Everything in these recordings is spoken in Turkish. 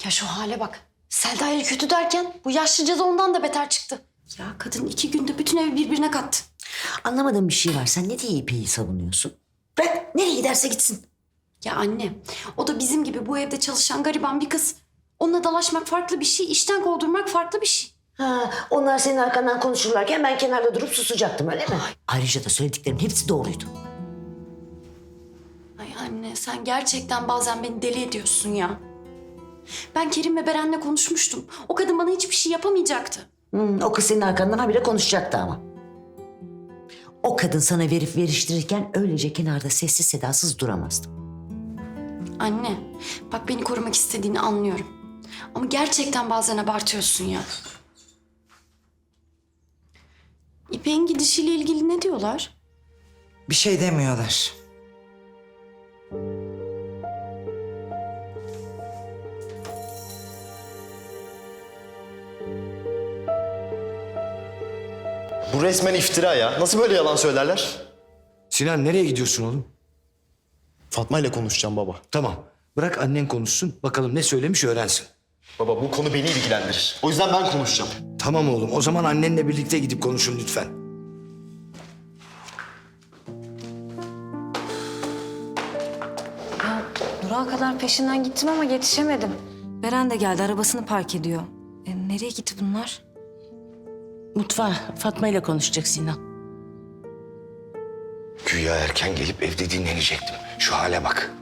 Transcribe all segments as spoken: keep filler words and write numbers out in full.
Ya şu hale bak. Selda ile kötü derken bu yaşlıca da ondan da beter çıktı. Ya kadın iki günde bütün evi birbirine kattı. Anlamadığım bir şey var. Sen ne diye İpek'i savunuyorsun? Bırak nereye giderse gitsin. Ya anne, o da bizim gibi bu evde çalışan gariban bir kız. Onunla dalaşmak farklı bir şey, işten kovdurmak farklı bir şey. Ha, onlar senin arkandan konuşurlarken ben kenarda durup susacaktım öyle mi? Ayrıca da söylediklerimin hepsi doğruydu. Ay anne, sen gerçekten bazen beni deli ediyorsun ya. Ben Kerim ve Beren'le konuşmuştum. O kadın bana hiçbir şey yapamayacaktı. Hmm, o kız senin arkandan habire konuşacaktı ama. O kadın sana verip veriştirirken öylece kenarda sessiz sedasız duramazdım. Anne, bak beni korumak istediğini anlıyorum. Ama gerçekten bazen abartıyorsun ya. İpek'in gidişiyle ilgili ne diyorlar? Bir şey demiyorlar. Bu resmen iftira ya. Nasıl böyle yalan söylerler? Sinan nereye gidiyorsun oğlum? Fatma ile konuşacağım baba. Tamam. Bırak annen konuşsun. Bakalım ne söylemiş öğrensin. Baba bu konu beni ilgilendirir. O yüzden ben konuşacağım. Tamam oğlum. O zaman annenle birlikte gidip konuşun lütfen. Ya durağa kadar peşinden gittim ama yetişemedim. Beren de geldi, arabasını park ediyor. E, nereye gitti bunlar? Mutfağa Fatma ile konuşacak Sinan. Güya erken gelip evde dinlenecektim. Şu hale bak.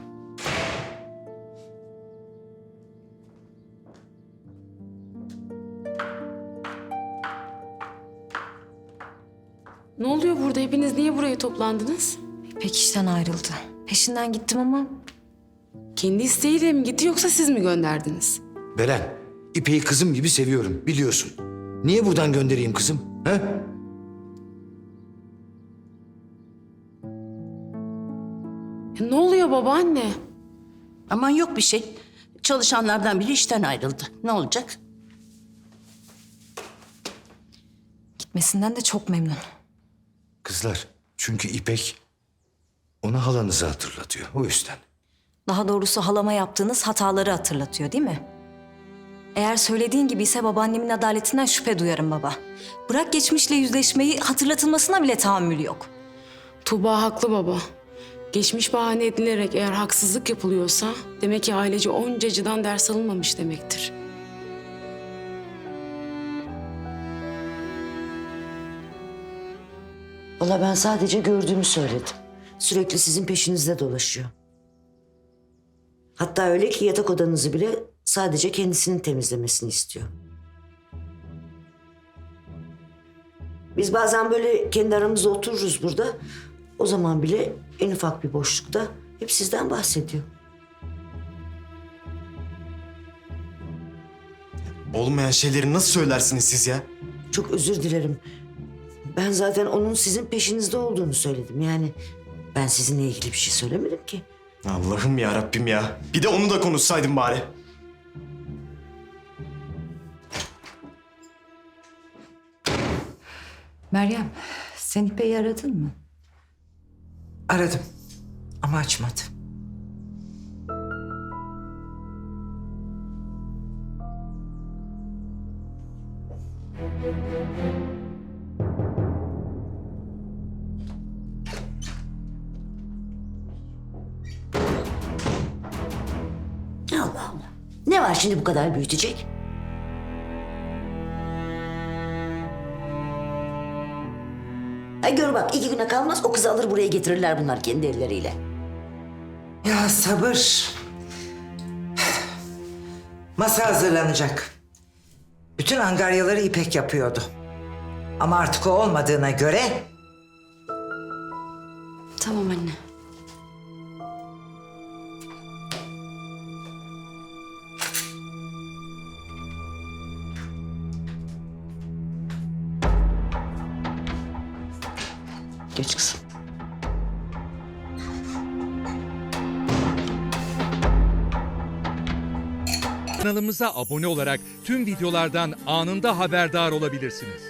Ne oluyor burada? Hepiniz niye buraya toplandınız? İpek işten ayrıldı. Peşinden gittim ama Kendi isteğiyle mi gitti yoksa siz mi gönderdiniz? Beren, İpek'i kızım gibi seviyorum biliyorsun. Niye buradan göndereyim kızım? He? Ya ne oluyor babaanne? Aman yok bir şey. Çalışanlardan biri işten ayrıldı. Ne olacak? gitmesinden de çok memnun. Kızlar, çünkü İpek ona halanızı hatırlatıyor. O yüzden. Daha doğrusu halama yaptığınız hataları hatırlatıyor değil mi? Eğer söylediğin gibi ise babaannemin adaletinden şüphe duyarım baba. Bırak geçmişle yüzleşmeyi, hatırlatılmasına bile tahammül yok. Tuğba haklı baba. Geçmiş bahane edilerek eğer haksızlık yapılıyorsa demek ki ailece onca acıdan ders alınmamış demektir. Valla ben sadece gördüğümü söyledim. Sürekli sizin peşinizde dolaşıyor. Hatta öyle ki yatak odanızı bile sadece kendisinin temizlemesini istiyor. Biz bazen böyle kendi aramızda otururuz burada. O zaman bile en ufak bir boşlukta hep sizden bahsediyor. Olmayan şeyleri nasıl söylersiniz siz ya? Çok özür dilerim. Ben zaten onun sizin peşinizde olduğunu söyledim. Yani ben sizinle ilgili bir şey söylemedim ki. Allah'ım ya Rabbim ya. Bir de onu da konuşsaydın bari. Meryem, sen İpek'i aradın mı? Aradım ama açmadı. Allah Allah. Ne var şimdi bu kadar büyütecek? Ay gör bak iki güne kalmaz o kızı alır buraya getirirler bunlar kendi elleriyle. Ya sabır. Masa hazırlanacak. Bütün angaryaları İpek yapıyordu. Ama artık o olmadığına göre Tamam anne. Geç kızım. Kanalımıza abone olarak tüm videolardan anında haberdar olabilirsiniz.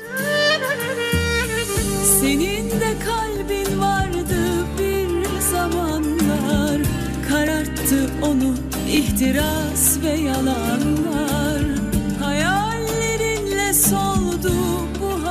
Senin de kalbin vardı bir zamanlar, kararttı onu ihtiras ve yalanlar. soldu